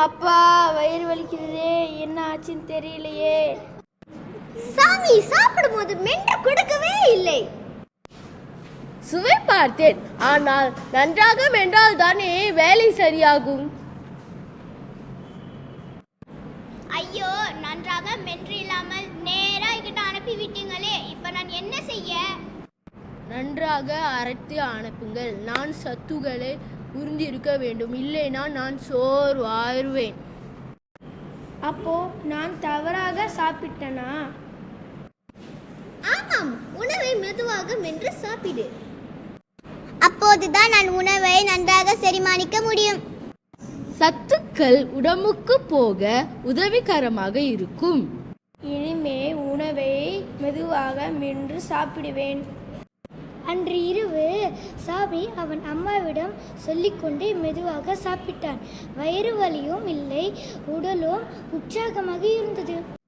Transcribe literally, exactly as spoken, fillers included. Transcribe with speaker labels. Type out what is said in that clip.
Speaker 1: அப்பா வயிறு வலிக்கிறதே, என்ன ஆச்சுன்னு தெரியலையே.
Speaker 2: சாமி சாப்பிடும் போது மென்று கொடுக்கவே இல்லை.
Speaker 3: சுவை பார்த்தேன், ஆனால் நன்றாக மென்றால் தானே வேலை சரியாகும்.
Speaker 2: ஐயோ, நன்றாக மென்று இல்லாமல் நேரா என்கிட்ட அனுப்பி விட்டீங்களே, இப்ப நான் என்ன செய்ய?
Speaker 3: நன்றாக அரைத்து அனுப்புங்கள். நான் சத்துக்களை உறிஞ்சிருக்க வேண்டும், இல்லைனா நான் சோர்வாயிருவேன்.
Speaker 1: அப்போ நான் தவறாக சாப்பிட்டனா?
Speaker 2: ஆமாம், உணவை மெதுவாக மென்று சாப்பிடு. அப்போதுதான் நான் உணவை நன்றாக செரிமானிக்க முடியும்.
Speaker 3: சத்துக்கள் உடம்புக்கு போக உதவிகரமாக இருக்கும்.
Speaker 1: இனிமே உணவை மெதுவாக மென்று சாப்பிடுவேன்.
Speaker 4: அன்று இரவு சாமி அவன் அம்மாவிடம் சொல்லிக்கொண்டே மெதுவாக சாப்பிட்டான். வயிறு வலியும் இல்லை, உடலும் உற்சாகமாக இருந்தது.